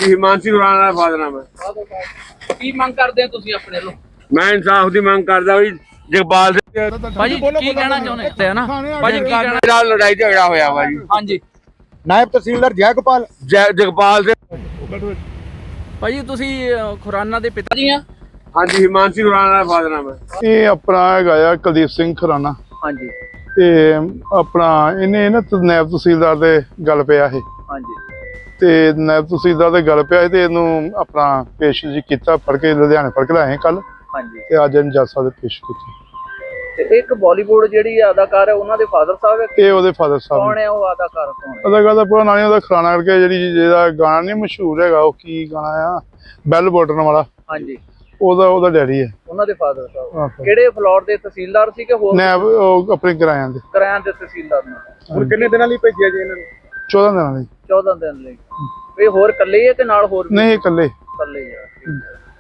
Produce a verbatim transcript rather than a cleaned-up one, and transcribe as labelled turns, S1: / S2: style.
S1: ਹਾਂਜੀ ਹਿਮਾਂਸ਼ੀ ਖੁਰਾਨਾ ਦਾ ਫਾਦਰ ਨਾਮ ਹੈ।
S2: ਕੀ ਮੰਗ ਕਰਦੇ ਹੋ ਤੁਸੀਂ ਆਪਣੇ ਵੱਲੋਂ?
S1: ਮੈਂ ਇਨਸਾਫ ਦੀ ਮੰਗ ਕਰਦਾ ਵੀ ਜਗਪਾਲ ਸਿੰਘ
S2: ਭਾਜੀ ਕੀ ਕਹਿਣਾ ਚਾਹੁੰਦੇ ਤੇ ਨਾ ਭਾਜੀ ਕੀ ਕਹਿਣਾ?
S1: ਨਾਲ ਲੜਾਈ ਝਗੜਾ ਹੋਇਆ ਵਾ ਜੀ।
S2: ਹਾਂਜੀ
S3: ਨਾਇਬ ਤਹਿਸੀਲਦਾਰ ਜੈਗੋਪਾਲ
S1: ਜੈ- ਜਗਪਾਲ ਸਿੰਘ
S2: ਭਾਜੀ ਤੁਸੀਂ ਅਹ, ਖੁਰਾਨਾ ਦੇ ਪਿਤਾ ਜੀ ਆ?
S1: ਹਾਂਜੀ ਹਿਮਾਂਸ਼ੀ ਖੁਰਾਨਾ ਦਾ ਫਾਦਰ ਨਾਮ ਹੈ।
S4: ਇਹ ਆਪਣਾ ਹੈਗਾ ਆ ਕੁਲਦੀਪ ਸਿੰਘ ਖੁਰਾਨਾ
S2: ਹਾਂਜੀ
S4: ਤੇ ਆਪਣਾ ਇਹਨੇ ਨਾ ਨਾਇਬ ਤਹਿਸੀਲਦਾਰ ਦੇ ਗੱਲ ਪਿਆ ਇਹ
S2: ਹਾਂਜੀ
S4: ਤੇ ਨਾਇਬ ਤਹਿਸੀਲਦਾਰ ਦੇ ਗੱਲ ਪਿਆ ਤੇ ਇਹਨੂੰ ਆਪਣਾ ਪੇਸ਼ ਜੀ ਕੀਤਾ, ਫੜ ਕੇ ਲੁਧਿਆਣੇ ਫੜ ਕੇ ਲਾਏ ਕੱਲ
S2: ਹਾਂਜੀ
S4: ਤੇ ਅੱਜ ਇਹਨੂੰ ਜੱਜ ਸਾਹਿਬ ਦੇ ਪੇਸ਼ ਕੀਤੀ।
S2: ਤੇ ਇੱਕ ਬਾਲੀਵੁੱਡ ਜਿਹੜੀ ਅਦਾਕਾਰ ਹੈ ਉਹਨਾਂ ਦੇ ਫਾਦਰ ਸਾਹਿਬ ਹੈ।
S4: ਇਹ ਉਹਦੇ ਫਾਦਰ ਸਾਹਿਬ
S2: ਕੌਣ
S4: ਨੇ।
S2: ਹੈ ਉਹ ਅਦਾਕਾਰ? ਕੌਣ ਹੈ?
S4: ਉਹਦਾ ਗੱਲ ਪੂਰਾ ਨਾਂ ਨੀ ਉਹਦਾ, ਖੁਰਾਨਾ ਕਰਕੇ ਜਿਹੜੀ ਜਿਹਦਾ ਗਾਣਾ ਨਹੀਂ ਮਸ਼ਹੂਰ ਹੈਗਾ, ਉਹ ਕੀ ਗਾਣਾ ਆ, ਬੈਲ ਬਟਨ ਵਾਲਾ,
S2: ਹਾਂਜੀ
S4: ਉਹਦਾ ਉਹਦਾ ਡੈਡੀ ਹੈ।
S2: ਉਹਨਾਂ ਦੇ ਫਾਦਰ ਸਾਹਿਬ
S4: ਆਹੋ।
S2: ਕਿਹੜੇ ਫਲੋਰ ਦੇ ਤਹਿਸੀਲਦਾਰ ਸੀ ਕਿ ਹੋਰ
S4: ਨਾਇਬ ਉਹ ਆਪਣੇ ਕਿਰਾਇਆਂ ਦੇ
S2: ਕਿਰਾਇਆ ਦੇ ਤਹਿਸੀਲਦਾਰ ਨੇ?
S3: ਹੁਣ ਕਿੰਨੇ ਦਿਨਾਂ ਲਈ ਭੇਜਿਆ ਜੀ ਇਹਨਾਂ ਨੂੰ?
S4: ਚੌਦਾਂ ਦਿਨਾਂ ਲਈ।
S2: ਚੌਦਾਂ ਦਿਨ ਲਈ। ਇਹ ਹੋਰ ਇਕੱਲੇ ਹੀ ਹੈ ਕਿ ਨਾਲ ਹੋਰ ਵੀ?
S4: ਨਹੀਂ, ਇਹ ਇਕੱਲੇ।
S2: ਇਕੱਲੇ ਹੀ ਆ। ਠੀਕ ਹੈ।